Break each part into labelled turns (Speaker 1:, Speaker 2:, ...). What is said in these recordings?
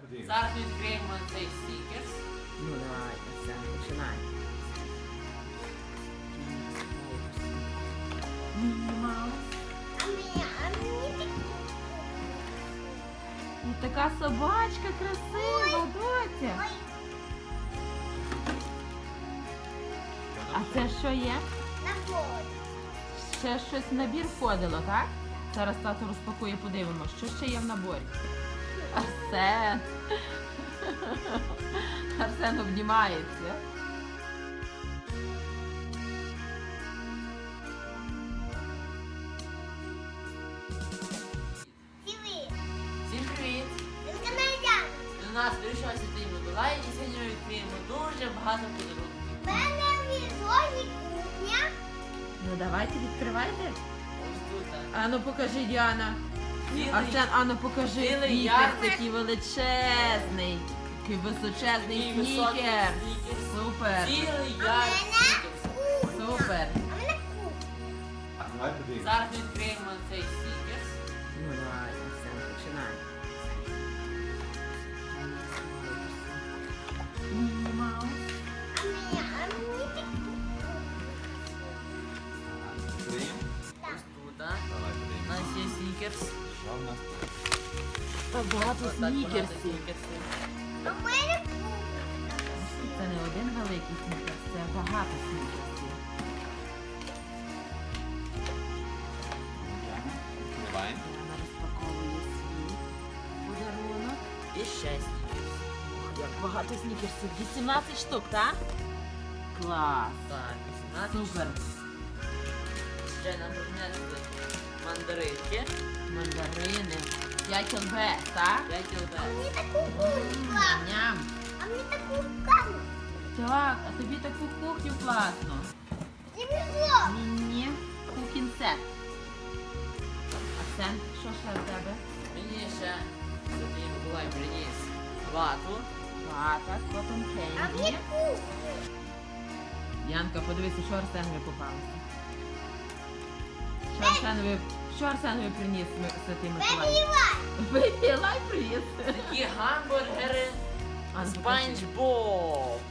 Speaker 1: подивимося.
Speaker 2: Зараз відкриємо цей стікерс.
Speaker 3: Ну давай, все, починай. Міні Маус. І така собачка красива, доця. А це що є? Ще щось в набір входило, так? Зараз тато розпакує, подивимося, що ще є в наборі. Арсен. Арсен обнімається.
Speaker 2: Всім привіт! До нас прийшов Святий Миколай і сьогодні ми відкриємо дуже багато подарунків.
Speaker 3: Ну давайте, відкривайте.
Speaker 2: Ось тут.
Speaker 3: Ану покажи, Діана.
Speaker 2: Цілий-
Speaker 3: Арсен, ану покажи.
Speaker 2: цілий
Speaker 3: Снікерс
Speaker 2: ярмарок.
Speaker 3: такий величезний. Такий височезний
Speaker 2: Такий високий
Speaker 3: снікерс.
Speaker 2: снікерс.
Speaker 3: Супер.
Speaker 2: Цілий ярд стікерс.
Speaker 3: Супер.
Speaker 1: Давай подивимося.
Speaker 2: Зараз відкриємо цей стікерс.
Speaker 3: Ну давай, Арсен, починай. Міні Маус.
Speaker 1: Відкриємо?
Speaker 2: Ось тут.
Speaker 1: Давай
Speaker 2: У
Speaker 1: подивимося.
Speaker 2: нас є стікерс.
Speaker 1: Що в нас тут?
Speaker 3: Багато
Speaker 2: Ось так багато
Speaker 3: снікерсів.
Speaker 2: снікерсів.
Speaker 3: Це не один великий снікерс, це багато снікерсів.
Speaker 1: Відкриваємо.
Speaker 3: Вона розпаковує свій подарунок.
Speaker 2: І ще стікерс.
Speaker 3: Як багато снікерсів. 18 штук, так? Клас.
Speaker 2: Так, 18.
Speaker 3: Супер.
Speaker 2: Ще нам принесли мандаринки.
Speaker 3: Мандарини. 5 ЛБ, так?
Speaker 2: 5 ЛБ.
Speaker 3: Ням. Так, а тобі таку кухню класно. Міні кухін сет. Арсен, що ще в тебе?
Speaker 2: Мені ще Святий Миколай приніс вату.
Speaker 3: Вата, котон кенді. Янка, подивися, що Арсенові попалося. Що Арсенові приніс Святий Миколай? Бейбі Лай приніс.
Speaker 2: Такі гамбургери
Speaker 3: А, ну,
Speaker 2: Спанч Боб.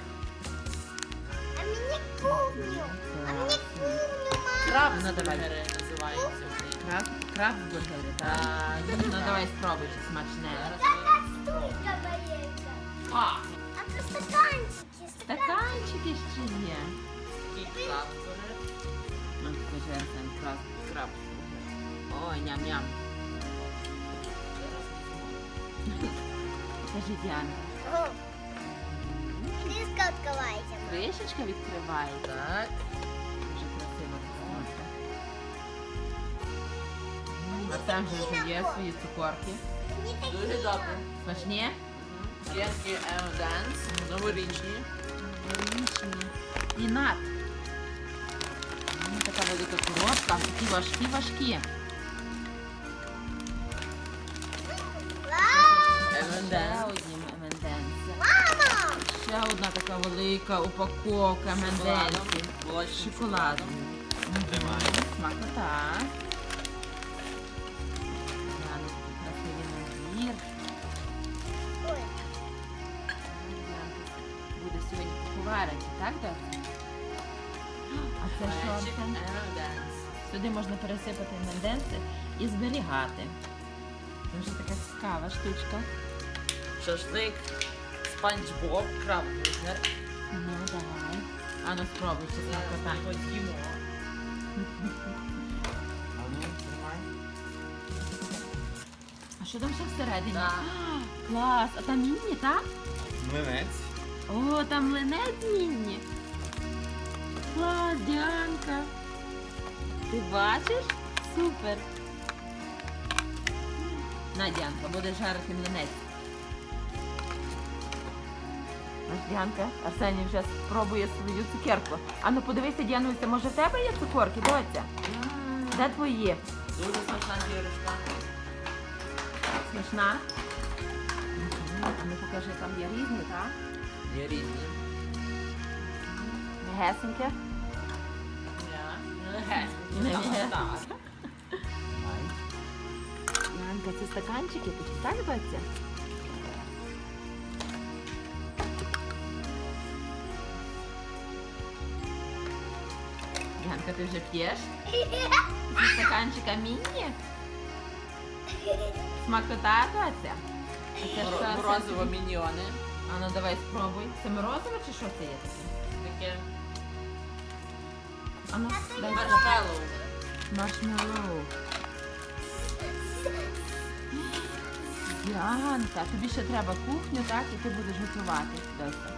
Speaker 2: Крабсбургери називаються вони.
Speaker 3: Крабсбургери, так?
Speaker 2: Так.
Speaker 3: Ну давай спробуй, чи смачне.
Speaker 2: А,
Speaker 3: Стаканчики ще є.
Speaker 2: такий крабсбургер.
Speaker 3: Ну, скажи, Арсен, крабсбургер. Ой, ням-ням. Скажи, Діана. Кришечка відкривається.
Speaker 2: Так.
Speaker 3: Дуже красиво. Арсен вже є свої цукорки.
Speaker 2: Дуже добре.
Speaker 3: Смачні?
Speaker 2: Кенки M&M's. Новорічні.
Speaker 3: Річні. Пінат. Така велика коробка. Такі важкі. Ще
Speaker 2: M&M's.
Speaker 3: одні M&M's. Ще одна така велика упаковка M&M's.
Speaker 2: Молочним
Speaker 3: Шоколадом.
Speaker 1: Тримаємо.
Speaker 3: Смакота. Глянь, який красивий набір. Буде сьогодні поварити, так, Доця? А це що,
Speaker 2: Мальчик
Speaker 3: Арсен?
Speaker 2: M&M's.
Speaker 3: Сюди можна пересипати менденці і зберігати. Це вже така цікава штучка.
Speaker 2: Шашлик Спанч Боб. Крабсбургер.
Speaker 3: Ну, давай. Ану, спробуй, чи
Speaker 2: Зараз
Speaker 3: смакота.
Speaker 2: ми його з'їмо.
Speaker 1: А ну, тримай.
Speaker 3: А що там ще всередині?
Speaker 2: Так.
Speaker 3: А, клас! А там міні, так?
Speaker 1: Млинець.
Speaker 3: О, там млинець міні. Клас, Діанка. Ти бачиш? Супер. На, Діанка, будеш жарити млинець. Ось Діанка, Арсеній вже спробує свою цукерку. А ну подивися, Діануся, може в тебе є цукорки, доця? Де твої?
Speaker 2: Дуже смачна дірочка.
Speaker 3: Смачна? А ну покажи, там є різні, так?
Speaker 2: Є різні.
Speaker 3: Мегесеньке. Не м'ясо.
Speaker 2: Так.
Speaker 1: Тримай.
Speaker 3: Янка, це стаканчики, такі, так, баться? Діаночка, ти вже п'єш? Зі стаканчика міні? Смакота, доця? А це ж все
Speaker 2: Морозиво міньйони.
Speaker 3: А ну давай спробуй. Це морозиво чи що це є таке?
Speaker 2: Таке
Speaker 3: А ну, дай
Speaker 2: маршмеллоу.
Speaker 3: маршмеллоу. Діанка, тобі ще треба кухню, так? І ти будеш готувати. Доця.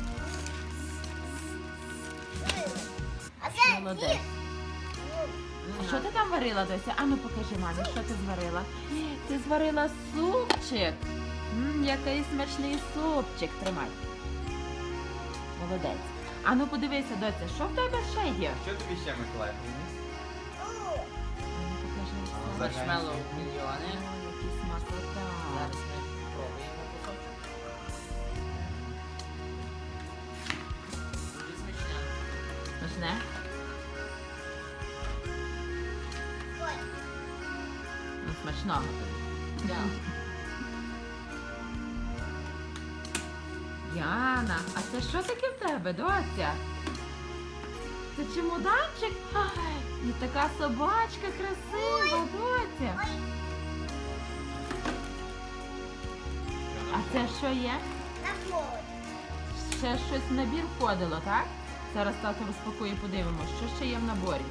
Speaker 3: Молодець. А що ти там варила, Дося? А ну покажи мамі, що ти зварила? Ти зварила супчик. Який смачний супчик. Тримай. Молодець. А ну подивися, Дося, що в тебе ще є?
Speaker 1: Що тобі ще Миколай приніс?
Speaker 3: А ну покажи.
Speaker 1: А,
Speaker 3: все.
Speaker 2: Маршмеллоу міньйони.
Speaker 3: Ой, які смакота.
Speaker 2: Зараз ми спробуємо кусочок. Дуже смачне.
Speaker 3: Смачне? Ну, смачного тобі.
Speaker 2: Да.
Speaker 3: Яна, а це що таке в тебе, доця? Це чемоданчик? Ай, і така собачка красива, доця. А це що є? Ще щось в набір входило, так? Зараз тато розпакує, подивимось, що ще є в наборі.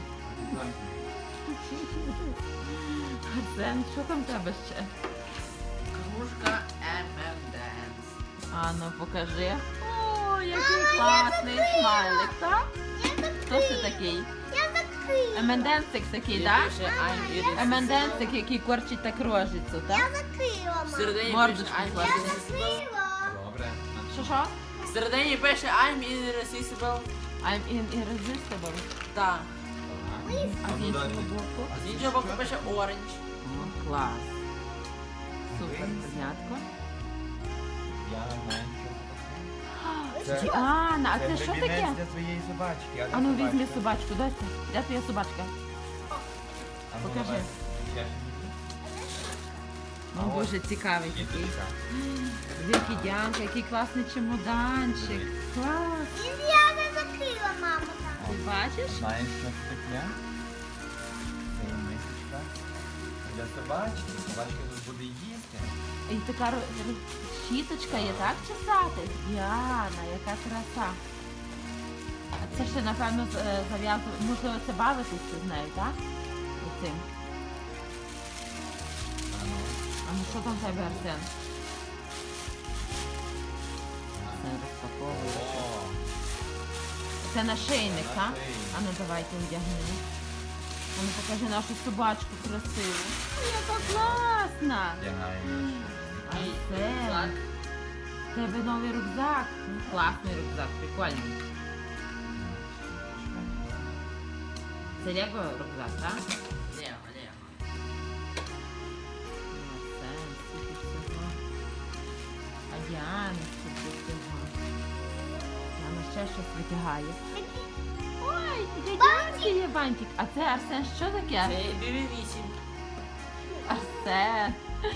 Speaker 3: Арсен, що там в тебе ще?
Speaker 2: Кружка M&M's.
Speaker 3: А ну покажи. О, який класний смайлик, так? Хто це такий? Еменденсик такий, так?
Speaker 2: Пише I'm irresistible.
Speaker 3: Еменденсик, який корчить так рожицю, так?
Speaker 2: Всередині
Speaker 3: Мордочку
Speaker 2: пише I'm
Speaker 3: клади.
Speaker 2: irresistible.
Speaker 1: Добре.
Speaker 3: Що?
Speaker 2: Всередині пише I'm irresistible.
Speaker 3: I'm irresistible.
Speaker 2: Так.
Speaker 3: А з
Speaker 1: ну,
Speaker 3: іншого
Speaker 1: далі.
Speaker 3: боку?
Speaker 2: З іншого боку пише orange.
Speaker 3: О, клас. Супер, знятко.
Speaker 1: Я знаю, що це.
Speaker 3: Діана, а це що
Speaker 1: гребінець
Speaker 3: таке?
Speaker 1: для своєї собачки.
Speaker 3: А ну візьми собачку, доця. Де твоя собачка?
Speaker 1: А ну,
Speaker 3: покажи.
Speaker 1: давай. Я ще не
Speaker 3: О, Боже, цікавий
Speaker 1: знаю.
Speaker 3: такий.
Speaker 1: Кіточка.
Speaker 3: Який Діанка, який класний чемоданчик. Клас. Ти бачиш?
Speaker 1: Знаєш, що це таке? Це є мисочка для собачки. Собачка тут буде їсти.
Speaker 3: І така щіточка є, так, чесати? Діана, яка краса. А це ще, напевно, зав'язано, можливо, це бавитися з нею, так? Оцим.
Speaker 1: А ну.
Speaker 3: А ну що там в тебе, Арсен? Це розпаковує.
Speaker 1: О,
Speaker 3: Це нашийник, так?
Speaker 1: Нашийник.
Speaker 3: А ну давайте одягнемо. А ну покажи нашу собачку красиву. Ой, яка класна!
Speaker 1: вдягаємо.
Speaker 3: Арсен,
Speaker 2: Так.
Speaker 3: в тебе новий рюкзак. Ну, класний рюкзак, прикольний. Це Лего рюкзак, так?
Speaker 2: Ні, ні.
Speaker 3: Арсен, скільки всього. А Діана, скільки всього. Діана ще щось витягає. Ой, для Діанки є бантик. А це, Арсен, що таке?
Speaker 2: Це BB-8.
Speaker 3: Арсен.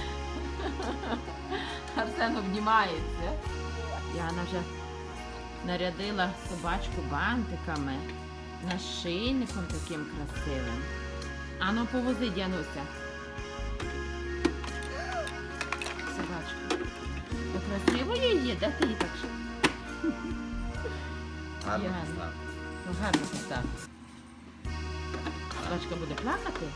Speaker 3: Арсен обнімається. Діана вже нарядила собачку бантиками, нашийником таким красивим. Ану, повози, Діануся. Собачку. То красиво її? Де ти її так?
Speaker 1: Гарно
Speaker 3: Діана.
Speaker 1: поставив.
Speaker 3: Ну, гарно постав. Собачка буде плакати?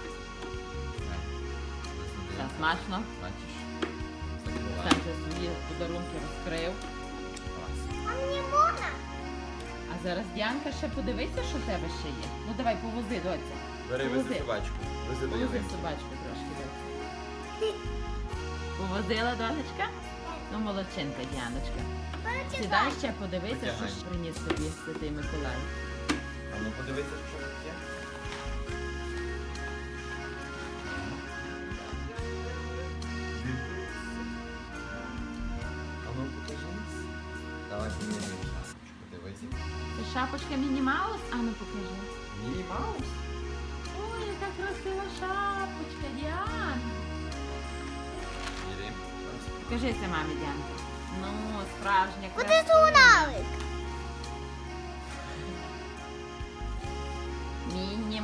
Speaker 3: Так, смачно.
Speaker 1: Бачиш?
Speaker 3: Сам вже свої подарунки розкрив. А зараз, Діанка, ще подивися, що в тебе ще є. Ну давай, повози, доця.
Speaker 1: Бери,
Speaker 3: Повози.
Speaker 1: вези собачку. Вези до
Speaker 3: Повози
Speaker 1: ялинки.
Speaker 3: собачку трошки, доця. Повозила, донечка? Ну, молодчинка, Діаночка. Сідай ще, подивися, що
Speaker 1: Витягай.
Speaker 3: ж приніс тобі Святий Миколай.
Speaker 1: А ну подивися, що тут є. А ну покажи. Давай поміряємо шапочку. Дивися.
Speaker 3: Це шапочка Міні Маус? А ну покажи.
Speaker 1: Міні Маус.
Speaker 3: Ой, яка красива шапочка, Діана.
Speaker 1: Міряємо.
Speaker 3: Покажися мамі, Діанка. Ну, справжня красива.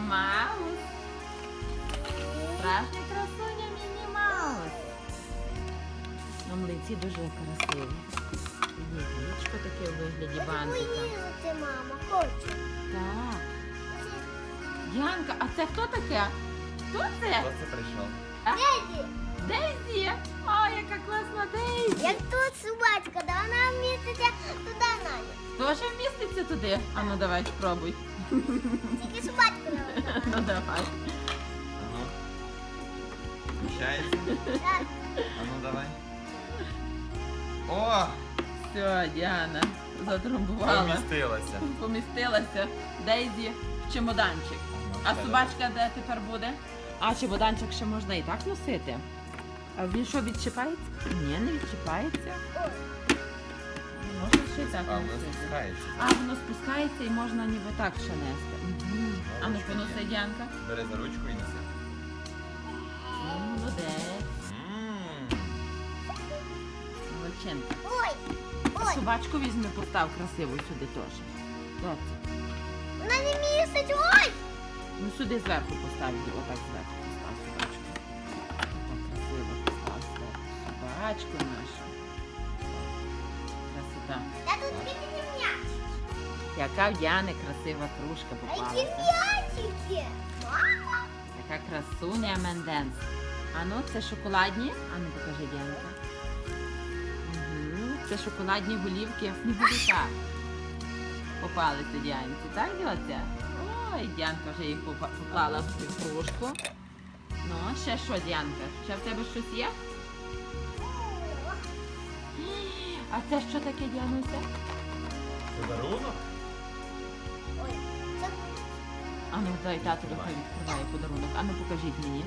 Speaker 3: Маус. Справжня красуня Міні Маус. На млинці дуже красиві. Є яєчко таке у вигляді бантика.
Speaker 4: Поїздити, мама, хочу.
Speaker 3: Так. Янка, а це хто таке? Хто це?
Speaker 1: Хто це прийшов?
Speaker 4: Деді,
Speaker 3: Дейзі. О, яка класна Дейзі.
Speaker 4: як тут собачка, да вона вміститься туди Наня.
Speaker 3: Тоже вміститься туди? А ну давай, спробуй.
Speaker 4: Тільки собачка не вона.
Speaker 3: Ну давай.
Speaker 1: Ану. Вміщається?
Speaker 4: Так,
Speaker 1: Ану, давай. О!
Speaker 3: Все, Діана затрамбувала.
Speaker 1: Помістилася.
Speaker 3: Помістилася Дейзі в чемоданчик. А собачка де тепер буде? А чемоданчик ще можна і так носити. А він що, відчіпається? Ні, не відчіпається.
Speaker 4: ой,
Speaker 3: Можна ще й так
Speaker 1: А, воно
Speaker 3: носити.
Speaker 1: спускається.
Speaker 3: А, воно спускається і можна ніби так ще нести. Мгм. А ну
Speaker 1: Ручка
Speaker 3: поноси,
Speaker 1: є.
Speaker 3: Діанка.
Speaker 1: Бери за ручку і неси.
Speaker 3: Молодець.
Speaker 1: Мм.
Speaker 3: Молодчинка.
Speaker 4: ой, ой,
Speaker 3: Собачку візьми, постав красиво сюди теж. Доці.
Speaker 4: вона не містить, ой!
Speaker 3: Ну сюди зверху постав, її, отак зверху постав собачку. Так красиво постав зверху. Собачку нашу. Красота.
Speaker 4: Та тут бідні м'яч.
Speaker 3: Яка в Діани красива кружка
Speaker 4: А які
Speaker 3: попалася.
Speaker 4: м'ячики? Мама!
Speaker 3: Яка красуня Менденс. А ну, це шоколадні? А ну покажи, Діанка. Угу. Це шоколадні голівки сніговика. Попалися Діанці, так, Діоця? Ой, Діанка вже їх поклала в цю кружку. Ну, ще що, Діанка? Ще в тебе щось є? А це що таке, Діануся?
Speaker 1: Подарунок?
Speaker 4: Ой, це
Speaker 3: А ну, дай тату хай відкриває подарунок. А ну покажіть мені.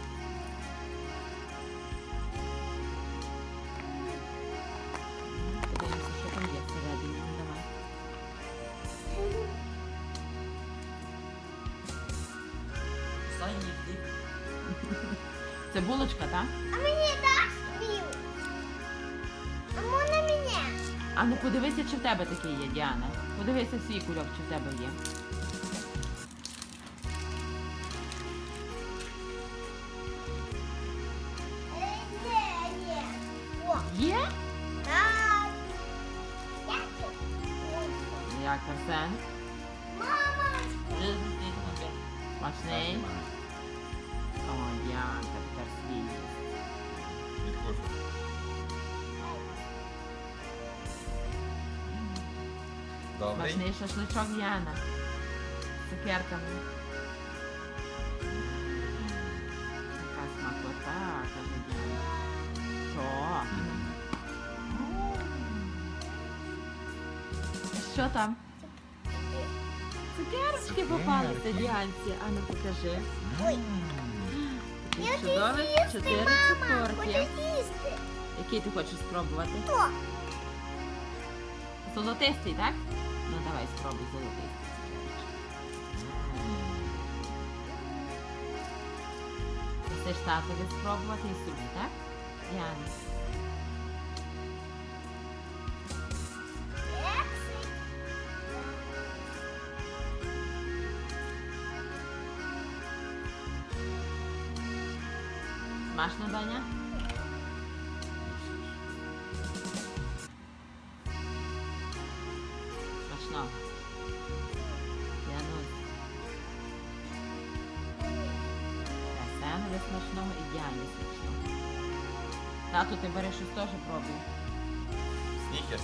Speaker 3: Подивимося, що там є всередині. Ну, давай. Це булочка, так?
Speaker 4: А мені даш мій? А можна мені?
Speaker 3: А ну подивися, чи в тебе таке є, Діана. Подивися свій кульок, чи в тебе є.
Speaker 4: Ні. О,
Speaker 3: Є?
Speaker 4: так. Дякую. Ой,
Speaker 3: Як Арсен?
Speaker 4: мама!
Speaker 3: Смачний? О, Діанка, тепер свій.
Speaker 1: Відкушуй. Добрий.
Speaker 3: Смачний шашличок Діана. З цукерками. Така смакота, каже Діана. То. Що там? Цукерочки попалися Діанці. А ну покажи.
Speaker 4: Ой.
Speaker 3: Такі
Speaker 4: Я
Speaker 3: чудові
Speaker 4: хочу
Speaker 3: 4
Speaker 4: їсти, мама. Хочу
Speaker 3: цукерки.
Speaker 4: їсти.
Speaker 3: Який ти хочеш спробувати?
Speaker 4: Хто?
Speaker 3: Золотистий, так? Ну давай спробуй золотистий. Це ж татові спробувати і собі, так? Діана.
Speaker 4: Кексик.
Speaker 3: Смачно, Даня? Смачно. Діанусь. Арсенові смачного і Діані смачного. Тату, ти береш щось теж пробуй.
Speaker 1: Снікерс.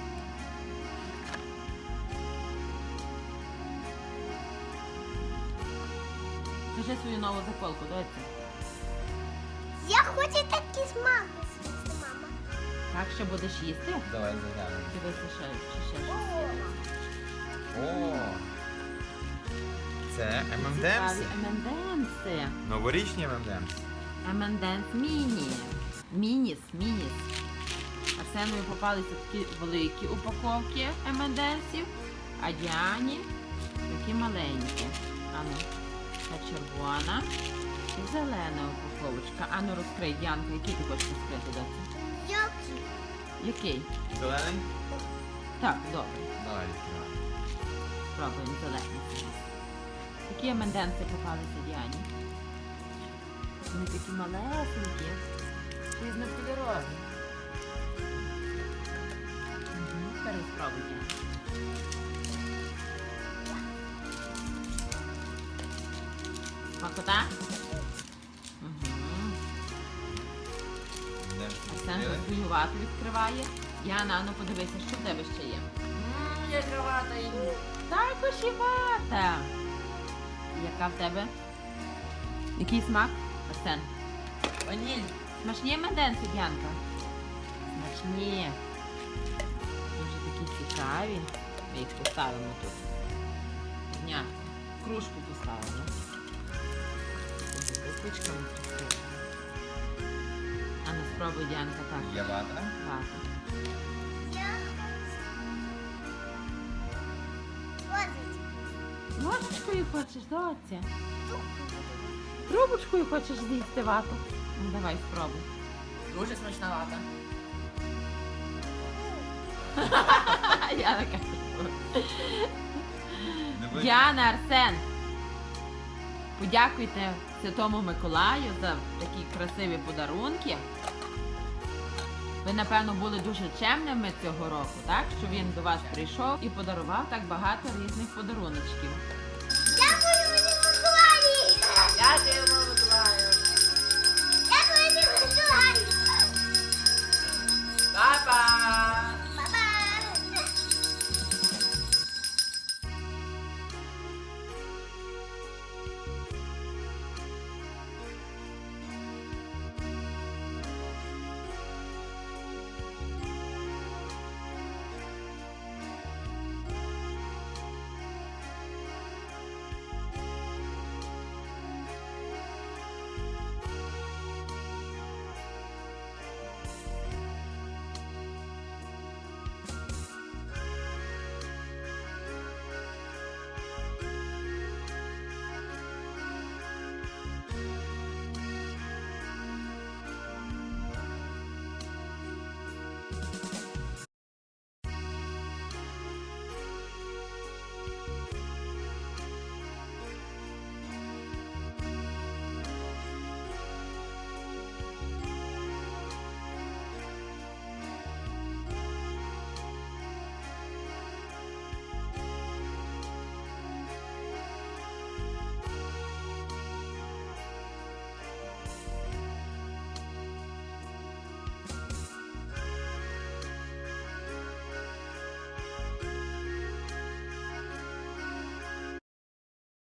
Speaker 3: Скажи свою нову заколку, доці.
Speaker 4: Я хочу такий смак з'їсти, мама.
Speaker 3: Так, що будеш їсти?
Speaker 1: Давай заглянемо.
Speaker 3: Дивися, ще, чи ще
Speaker 4: О,
Speaker 3: щось.
Speaker 1: О! Це
Speaker 3: Цікаві
Speaker 1: M&M's.
Speaker 3: M&M's.
Speaker 1: Новорічні M&M's.
Speaker 3: M&M's міні. Мініс. Арсенові попалися такі великі упаковки M&M's, а Діані такі маленькі. Ану, та червона і зелена упаковочка. Ану, розкрий, Діанка, який ти хочеш розкрити, доці?
Speaker 4: Які?
Speaker 3: Який?
Speaker 1: Зелений?
Speaker 3: Так, добре.
Speaker 1: Давай відкривай.
Speaker 3: Спробуємо зелений. Такі менденці попалися Діані. Вони такі малесенькі. Різнокольорові. Тепер спробуй, Діані. Смакота?
Speaker 1: Де ж
Speaker 3: Арсен
Speaker 1: відкрили?
Speaker 3: хвилювато відкриває. Діана, ну подивися, що в тебе ще є.
Speaker 2: Яка вата і...
Speaker 3: Також і вата. Яка в тебе? Який смак? Арсен.
Speaker 2: Ваніль.
Speaker 3: Смачні менденці, Діанка? Смачні. Дуже такі цікаві. Ми їх поставимо тут. Дня. Кружку поставимо. З купичками красивими. А ну спробуй, Діанка, так.
Speaker 1: Є вата?
Speaker 3: Вата. Ложечкою хочеш, доця? Трубочкою хочеш з'їсти вату? Ну давай спробуй.
Speaker 2: Дуже смачна вата.
Speaker 3: Я не кажу.
Speaker 1: Не видно?
Speaker 3: Діана, Арсен, подякуйте Святому Миколаю за такі красиві подарунки. Ви, напевно, були дуже чемними цього року, так? Що він до вас прийшов і подарував так багато різних подаруночків.
Speaker 4: Дякую, мені Миколаї!
Speaker 2: Дякую,